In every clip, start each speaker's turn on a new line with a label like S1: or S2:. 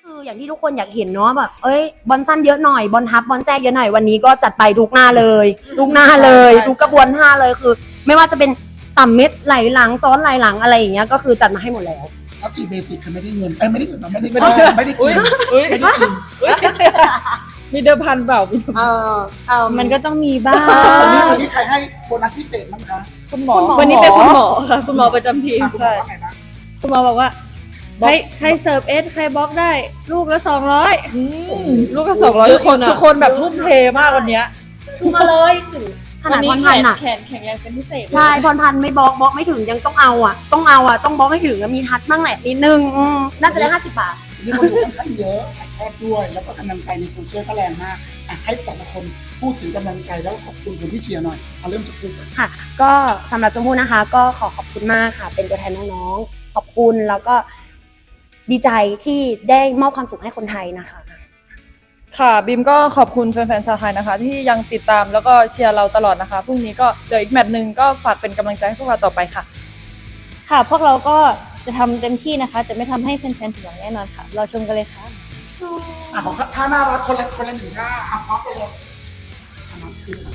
S1: คืออย่างที่ทุกคนอยากเห็นเนาะแบบบอลสั้นเยอะหน่อยบอลทับบอลแทรกเยอะหน่อยวันนี้ก็จัดไปทุกหน้าเลยทุกหน้าเลยทุกกระบวนท่าเลยคือ ไม่ว่าจะเป็น3 เม็ดไหลหลังซ้อนไหลหลังอะไรอย่างเงี้ยก็คือจัดมาให้หมดแล้ว
S2: ก็ตีเบสิกคือไม่ได้เงินไม่ได้เงินไม่ได้กินไม่ได้กิน
S3: มีเดิมพันเปล่า
S1: มันก็ต้องมีบ้าง
S2: วันนี้ใครให้โบนัสพิเศษมั้งคะ
S3: คุณหมอ
S4: วันนี้เป็นคุณหมอค่ะคุณหมอประจำทีม
S2: ใช่ไงนะ
S4: คุณหมอบอกว่าใครเสิร์ฟเอสใครบล็อกได้ลูกละ200
S3: ลูกก็200ทุกคนแบบทุ่มเทมากวันเนี้ย
S1: คือมาเลยถึงขนาดพรพันธ์อ่ะ
S4: แขนแข็งแรงเป็นพิเศษ
S1: ใช่พรพันธ์ไม่บล็อกไม่ถึงยังต้องเอาอ่ะต้องบล็อกให้ถึงมีทัดบ้างแหละนิดนึงน่าจะได้50 บาท
S2: นี่คนดูค่อนข้างเยอะถ่ายทอดด้วยแล้วก็กำลังใจในโซเชียลก็แรงมากให้แต่ละคนพูดถึงกำลังใจแล้วขอบคุณคนที่เชียร์หน่อยเอาเริ่มจากคุณ
S1: ค่ะก็สำหรับชมพู่นะคะก็ขอบคุณมากค่ะเป็นตัวแทนน้องๆขอบคุณแล้วก็ดีใจที่ได้มอบความสุขให้คนไทยนะคะ
S3: ค่ะบิมก็ขอบคุณแฟนๆชาวไทยนะคะที่ยังติดตามแล้วก็เชียร์เราตลอดนะคะพรุ่งนี้ก็เดี๋ยวอีกแมตช์นึงก็ฝากเป็นกำลังใจให้พวกเราต่อไปค่ะ
S4: ค่ะพวกเราก็จะทำเต็มที่นะคะจะไม่ทำให้แฟนๆผิดหวังแน่นอนค่ะรอชมกันเลยค่ะ
S2: ของท่าน่ารักคนละหนึ่งท่าพร้อมไปเลยสมัครชื่อ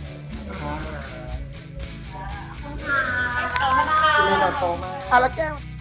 S2: แล้วแก้ว